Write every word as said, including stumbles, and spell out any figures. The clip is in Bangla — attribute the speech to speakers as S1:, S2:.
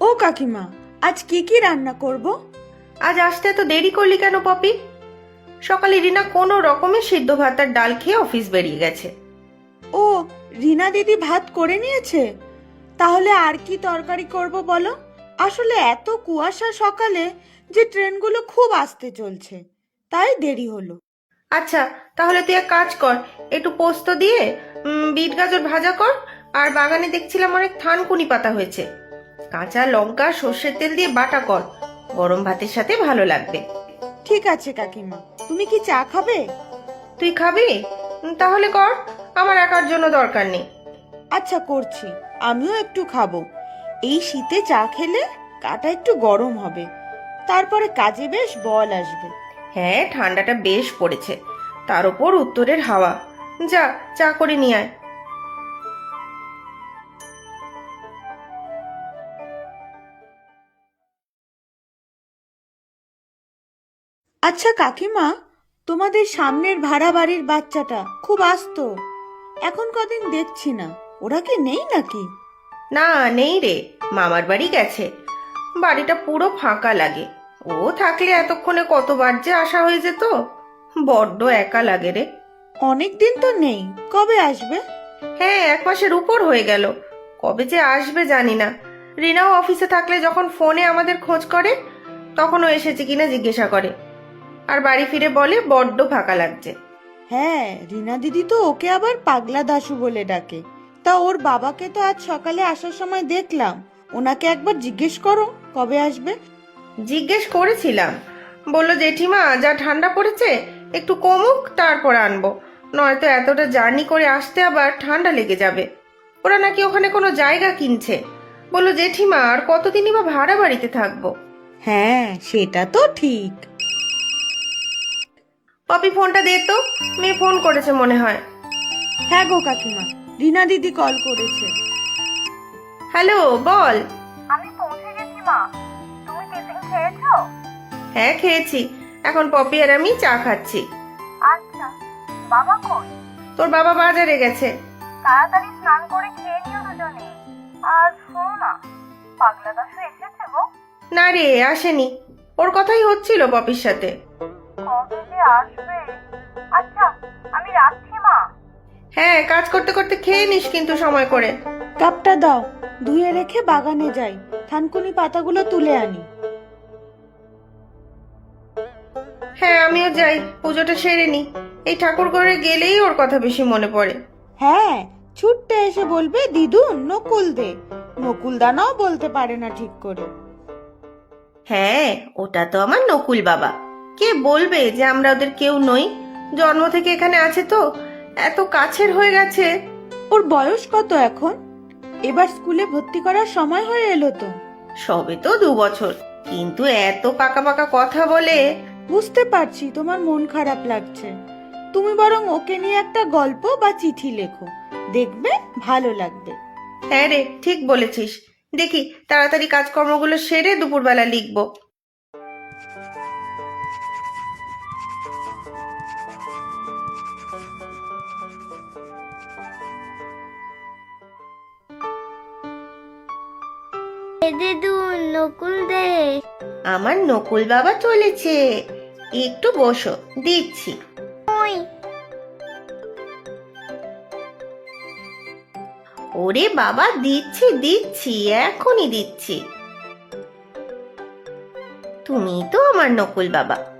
S1: ও কাকিমা, আজ কি কি রান্না করব?
S2: আজ আসতে তো দেরি করলি কেন পপি? সকালে রিনা কোনো রকমের সিদ্ধ ভাত আর ডাল খেয়ে অফিস বেরিয়ে গেছে।
S1: ও, রিনা দিদি ভাত করে নিয়েছে? তাহলে আর কি তরকারি করব বলো? আসলে এত কুয়াশা সকালে যে ট্রেনগুলো খুব আস্তে চলছে, তাই দেরি হলো।
S2: আচ্ছা, তাহলে তুই এক কাজ কর, একটু পোস্ত দিয়ে উম, বিট গাজর ভাজা কর। আর বাগানে দেখছিলাম অনেক থানকুনি পাতা হয়েছে, কাঁচা লঙ্কা সর্ষের তেল দিয়ে বাটা কর, গরম ভাতের সাথে ভালো লাগবে।
S1: ঠিক আছে কাকিমা, তুমি কি চা খাবে?
S2: তুই খাবি? উম, তাহলে কর, আমার একার জন্য দরকার নেই।
S1: আচ্ছা করছি, আমিও একটু খাবো। এই শীতে চা খেলে গাটা একটু গরম হবে, তারপরে কাজে বেশ বল আসবে।
S2: হ্যাঁ, ঠান্ডাটা বেশ পড়েছে, তার উপর উত্তরের হাওয়া। যা, চা করে নিয়ে আয়।
S1: আচ্ছা কাকিমা, তোমাদের সামনের ভাড়া বাড়ির বাচ্চাটা খুব আস্ত, এখন কদিন দেখছি না, ওরা কি নেই নাকি?
S2: না, নেই রে, মামার বাড়ি গেছে। বাড়িটা পুরো ফাঁকা লাগে, ও থাকলে এতক্ষণে কতবার যে আসা হয়ে যেত। বড্ড একা লাগে রে।
S1: অনেক দিন তো নেই, কবে আসবে?
S2: হ্যাঁ, এক মাসের উপর হয়ে গেল, কবে যে আসবে জানি না। রিনাও অফিসে থাকলে যখন ফোনে আমাদের খোঁজ করে, তখনও এসেছে কিনা জিজ্ঞাসা করে, আর বাড়ি ফিরে বলে বড্ড ফাঁকা লাগছে।
S1: হ্যাঁ, রিনা দিদি তো ওকে আবার পাগলা দাশু বলে ডাকে। তা ওর বাবাকে তো আজ সকালে আসার সময় দেখলাম, ওনাকে একবার জিজ্ঞেস করো কবে আসবে।
S2: জিজ্ঞেস করেছিলাম, বলল জেঠিমা যা ঠান্ডা পড়েছে একটু কমুক তারপর আনবো, নয়তো এতটা জার্নি করে আসতে আবার ঠান্ডা লেগে যাবে। ওরা নাকি ওখানে কোনো জায়গা কিনছে, বললো জেঠিমা আর কতদিনই বা ভাড়া বাড়িতে থাকবো।
S1: হ্যাঁ, সেটা তো ঠিক।
S2: পপি ফোনটা দে তো, মেয়ে ফোন করেছে মনে হয়।
S1: হ্যাঁ গো কাকিমা, রিনা দিদি কল করেছে।
S2: হ্যালো, বল।
S3: আমি পৌঁছে গেছি মা। তুমি টিফিন খেয়েছো?
S2: হ্যাঁ, খেয়েছি, এখন পপি আর আমি চা খাচ্ছি।
S3: আচ্ছা, বাবা কই?
S2: তোর বাবা বাজারে গেছে।
S3: তাড়াতাড়ি স্নান করে খেয়ে নিও দুজনে। আর শোনো না, পাগলা দাশু এসেছে গো?
S2: না রে, আসেনি, ওর কথাই হচ্ছিল পপির সাথে।
S3: কবে যে আসবে। আচ্ছা, আমি রাখছি মা।
S2: হ্যাঁ, কাজ করতে করতে খেয়ে নিস কিন্তু সময় করে।
S1: কাপটা দাও, ধুয়ে রেখে বাগানে যাই, থানকুনি পাতাগুলো তুলে আনি।
S2: হ্যাঁ, আমিও যাই, পুজোটা সেরে নি। এই ঠাকুর ঘরে গেলেই ওর কথা বেশি মনে পড়ে।
S1: হ্যাঁ, ছুটতে এসে বলবে দিদু নকুল দে, নকুল দানাও বলতে পারে না ঠিক করে।
S2: হ্যাঁ, ওটা তো আমার নকুল বাবা, কে বলবে যে আমরা ওদের কেউ নই? জন্ম থেকে এখানে আছে তো, এত কাছের হয়ে গেছে।
S1: ওর বয়স কত এখন? এবার স্কুলে ভর্তি করার সময় হয়ে এলো তো।
S2: সবে তো দু বছর, কিন্তু এত পাকা পাকা কথা বলে।
S1: বুঝতে পারছি তোমার মন খারাপ লাগছে, তুমি বরং ওকে নিয়ে একটা গল্প বা চিঠি লেখো, দেখবে ভালো লাগবে।
S2: হ্যাঁ রে, ঠিক বলেছিস, দেখি তাড়াতাড়ি কাজকর্মগুলো সেরে দুপুরবেলা লিখবো।
S3: দিদু নকুল দে।
S2: আমার নকুল বাবা চলেছে, একটু বসো, দিচ্ছি।
S3: ওই
S2: ওরে বাবা, দিচ্ছি দিচ্ছি, এখনই দিচ্ছি। তুমি তো আমার নকুল বাবা।